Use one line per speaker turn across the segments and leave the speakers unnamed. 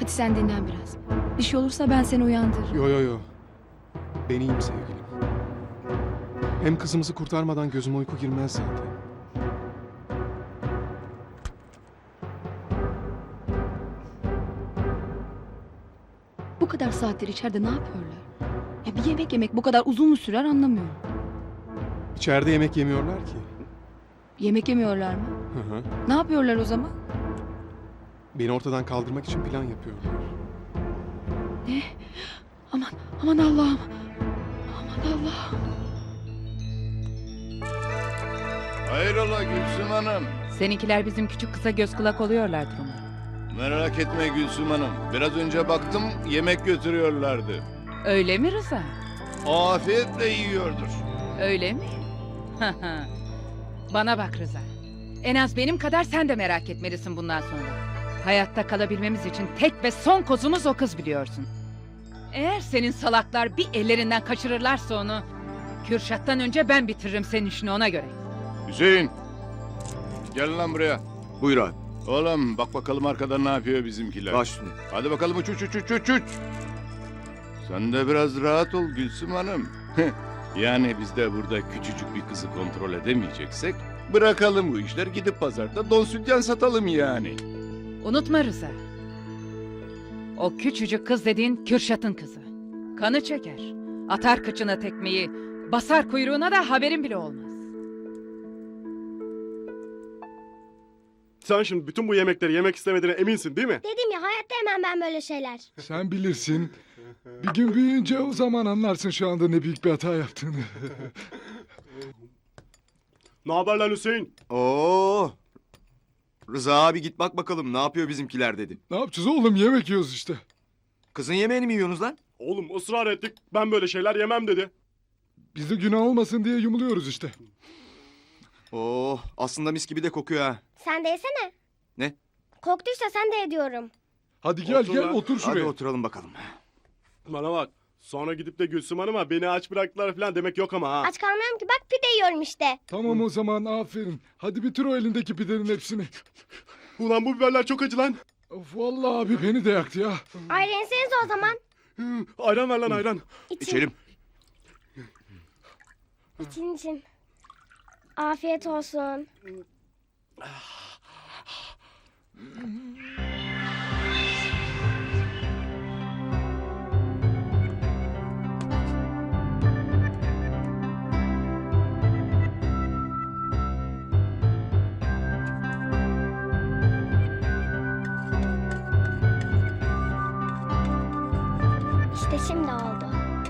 Hadi sen dinlen biraz. Bir şey olursa ben seni uyandırırım.
Yo. Ben iyiyim sevgilim. Hem kızımızı kurtarmadan gözüme uyku girmez zaten.
Bu kadar saattir içeride ne yapıyorlar? Ya bir yemek yemek bu kadar uzun mu sürer anlamıyorum.
İçeride yemek yemiyorlar ki.
Yemek yemiyorlar mı?
Hı.
Ne yapıyorlar o zaman?
Beni ortadan kaldırmak için plan yapıyorlar.
Ne? Aman Allah'ım. Aman Allah'ım.
Hayrola Gülsüm Hanım?
Seninkiler bizim küçük kıza göz kulak oluyorlardır umarım.
Merak etme Gülsüm Hanım. Biraz önce baktım yemek götürüyorlardı.
Öyle mi Rıza?
Afiyetle yiyordur.
Öyle mi? Bana bak Rıza. En az benim kadar sen de merak etmelisin bundan sonra. Hayatta kalabilmemiz için tek ve son kozumuz o kız biliyorsun. Eğer senin salaklar bir ellerinden kaçırırlarsa onu... Kürşat'tan önce ben bitiririm senin işini ona göre.
Hüseyin. Gel lan buraya.
Buyur abi.
Oğlum bak bakalım arkadan ne yapıyor bizimkiler.
Baş üstüne.
Hadi bakalım uç. Sen de biraz rahat ol Gülsüm Hanım. Yani biz de burada küçücük bir kızı kontrol edemeyeceksek... Bırakalım bu işler, gidip pazarda don sütyen satalım yani.
Unutma Rıza. O küçücük kız dediğin Kürşat'ın kızı. Kanı çeker. Atar kıçına tekmeyi. Basar kuyruğuna da haberin bile olmaz.
Sen şimdi bütün bu yemekleri yemek istemediğine eminsin değil mi?
Dedim ya hayatta yemem ben böyle şeyler.
Sen bilirsin. Bir gün büyüyünce o zaman anlarsın şu anda ne büyük bir hata yaptığını.
Ne haber lan Hüseyin?
Oo. Rıza abi git bak bakalım ne yapıyor bizimkiler dedi.
Ne yapacağız oğlum, yemek yiyoruz işte.
Kızın yemeğini mi yiyorsunuz lan?
Oğlum ısrar ettik. Ben böyle şeyler yemem dedi.
Biz de günah olmasın diye yumuluyoruz işte.
Oo, aslında mis gibi de kokuyor ha.
Sen de yesene.
Ne?
Koktuysa sen de ediyorum.
Hadi gel
Otur
gel
lan.
otur
Hadi
şuraya.
oturalım bakalım.
Bana bak. Sonra gidip de Gülsüm Hanım'a beni aç bıraktılar falan demek yok ama ha.
Aç kalmıyorum ki bak pide yiyorum işte.
Tamam o zaman, aferin. Hadi bitir o elindeki pidenin hepsini.
Ulan bu biberler çok acı lan.
Of vallahi abi beni de yaktı ya.
Ayran yesenize o zaman.
Ayran ver lan ayran.
İçelim.
İçin. Afiyet olsun. İşte şimdi oldu.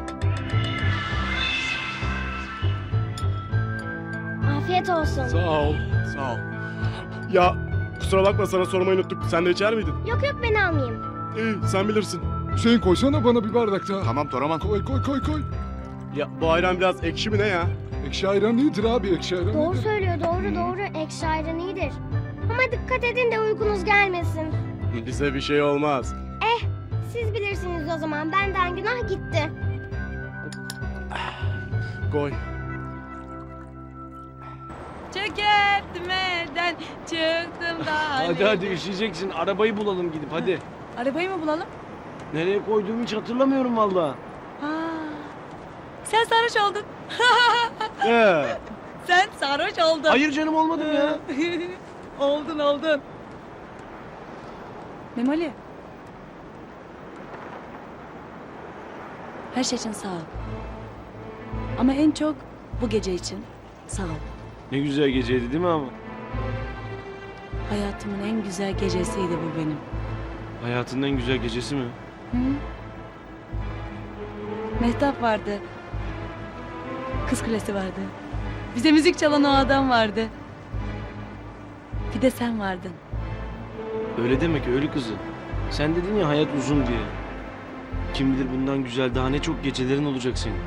Afiyet olsun.
Sağ ol.
Sağ ol. Ya kusura bakma sana sormayı unuttuk. Sen de içer miydin?
Yok ben almayayım.
İyi sen bilirsin.
Hüseyin koysana bana bir bardak daha.
Tamam Toraman.
Koy.
Ya bu ayran biraz ekşi mi ne ya?
Ekşi ayran iyidir abi, ekşi ayran
Doğru
iyidir.
söylüyor doğru. Ekşi ayran iyidir. Ama dikkat edin de uykunuz gelmesin.
Bize bir şey olmaz.
Siz bilirsiniz o zaman. Benden günah gitti.
Koy.
Çökerttim elden çıktım da.
Hadi üşüyeceksin. Arabayı bulalım gidip hadi.
Arabayı mı bulalım?
Nereye koyduğumu hiç hatırlamıyorum valla.
Sen sarhoş oldun. Sen sarhoş oldun.
Hayır canım olmadım ya.
Oldun. Memoli.
Her şey için sağ ol. Ama en çok bu gece için sağ ol.
Ne güzel geceydi değil mi ama?
Hayatımın en güzel gecesiydi bu benim.
Hayatının en güzel gecesi mi?
Hı? Mehtap vardı. Kız Kulesi vardı. Bize müzik çalan o adam vardı. Bir de sen vardın.
Öyle demek öyle kızı. Sen dedin ya hayat uzun diye. Kim bilir bundan güzel daha ne çok gecelerin olacak senin.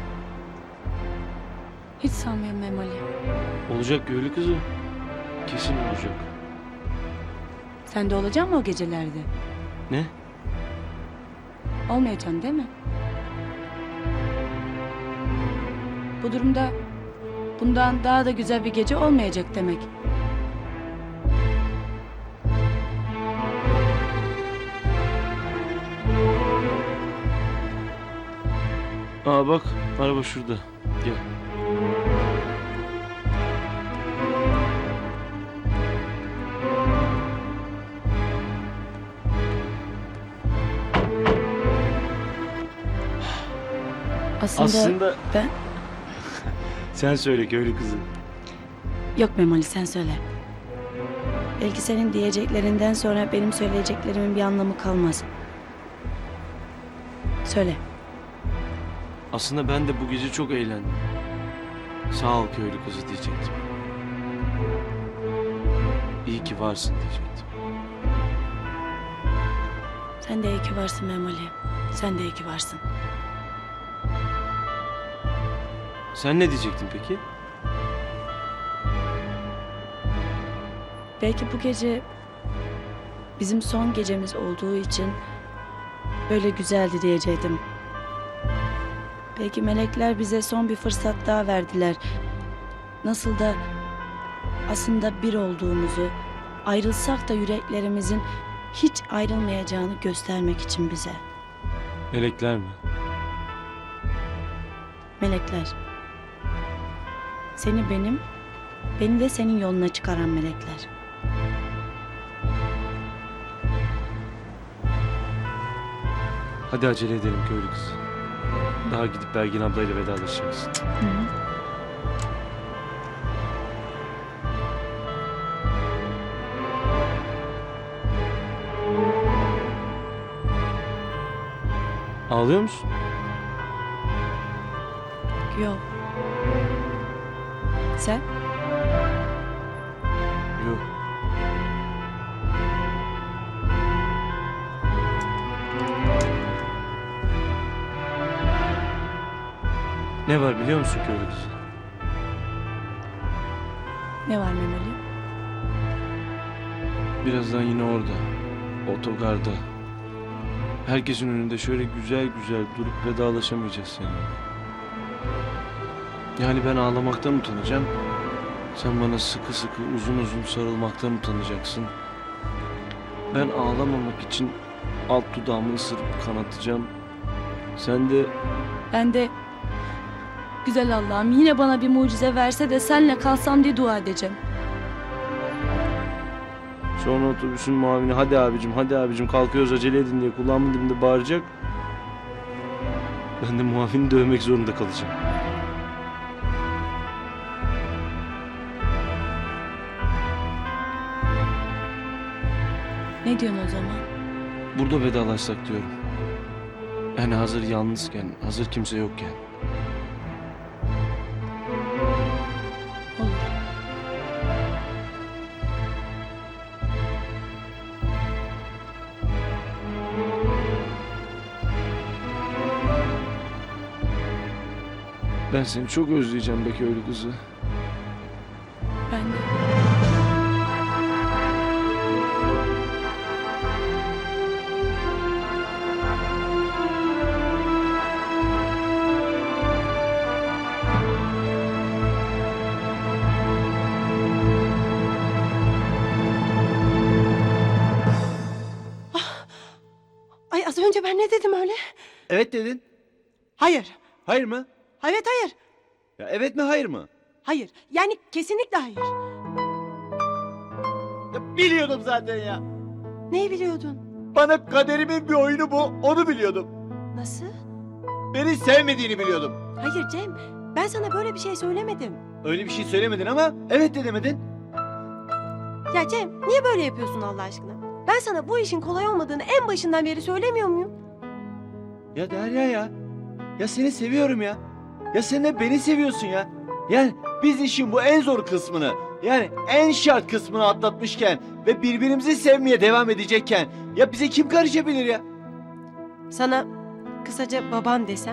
Hiç sanmıyorum Memoli.
Olacak öyle kızı. Kesin olacak.
Sen de olacaksın mı o gecelerde?
Ne?
Olmayacaksın değil mi? Bu durumda bundan daha da güzel bir gece olmayacak demek.
Aa bak araba şurada. Gel.
Aslında ben...
Sen söyle köylü kızı.
Yok Memoli, sen söyle. Belki senin diyeceklerinden sonra benim söyleyeceklerimin bir anlamı kalmaz. Söyle.
Aslında ben de bu gece çok eğlendim. Sağ ol köylü kızı diyecektim. İyi ki varsın diyecektim.
Sen de iyi ki varsın Memoli. Sen de iyi ki varsın.
Sen ne diyecektin peki?
Belki bu gece bizim son gecemiz olduğu için böyle güzeldi diyecektim. Belki melekler bize son bir fırsat daha verdiler. Nasıl da aslında bir olduğumuzu, ayrılsak da yüreklerimizin hiç ayrılmayacağını göstermek için bize.
Melekler mi?
Melekler. Seni benim, beni de senin yoluna çıkaran melekler.
Hadi acele edelim köylü kızı. Daha gidip Belgin ablayla vedalaşacaksın. Ağlıyor musun?
Yok. Sen?
Yok. Ne var biliyor musun köylü kızı?
Ne var Memoli?
Birazdan yine orada, otogarda. Herkesin önünde şöyle güzel güzel durup vedalaşamayacağız seninle. Yani ben ağlamaktan utanacağım. Sen bana sıkı sıkı uzun uzun sarılmaktan utanacaksın. Ben ağlamamak için alt dudağımı ısırıp kanatacağım. Sen de
Ben de güzel Allah'ım yine bana bir mucize verse de senle kalsam diye dua edeceğim.
sonra otobüsün muavini hadi abicim kalkıyoruz acele edin diye kulağımın dibinde bağıracak. Ben de muavini dövmek zorunda kalacağım.
Ne diyorsun o zaman?
Burada vedalaşsak diyorum. Yani hazır yalnızken, hazır kimse yokken.
Olur.
Ben seni çok özleyeceğim be köylü kızı.
Ben de.
Ay az önce ben ne dedim öyle?
Evet dedin.
Hayır.
Hayır mı?
Evet hayır.
Ya evet mi hayır mı?
Hayır. Yani kesinlikle hayır.
Ya biliyordum zaten ya.
Neyi biliyordun?
Bana kaderimin bir oyunu bu. Onu biliyordum.
Nasıl?
Beni sevmediğini biliyordum.
Hayır Cem. Ben sana böyle bir şey söylemedim.
Öyle bir şey söylemedin ama evet de demedin.
Ya Cem niye böyle yapıyorsun Allah aşkına? Ben sana bu işin kolay olmadığını en başından beri söylemiyor muyum?
Ya Derya ya. Ya seni seviyorum ya. Ya sen de beni seviyorsun ya. Yani biz işin bu en zor kısmını, yani en şart kısmını atlatmışken ve birbirimizi sevmeye devam edecekken ya bize kim karışabilir ya?
Sana kısaca baban desem?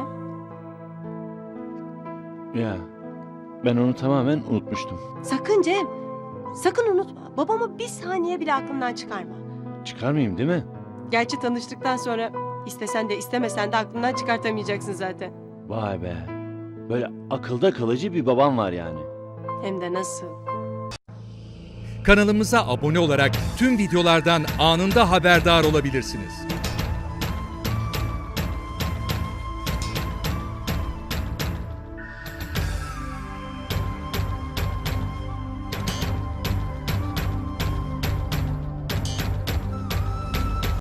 Ya ben onu tamamen unutmuştum.
Sakın Cem. Sakın unutma. Babamı bir saniye bile aklından çıkarma.
Çıkarmayayım değil mi?
Gerçi tanıştıktan sonra istesen de istemesen de aklından çıkartamayacaksın zaten.
Vay be. Böyle akılda kalıcı bir babam var yani.
Hem de nasıl?
Kanalımıza abone olarak tüm videolardan anında haberdar olabilirsiniz.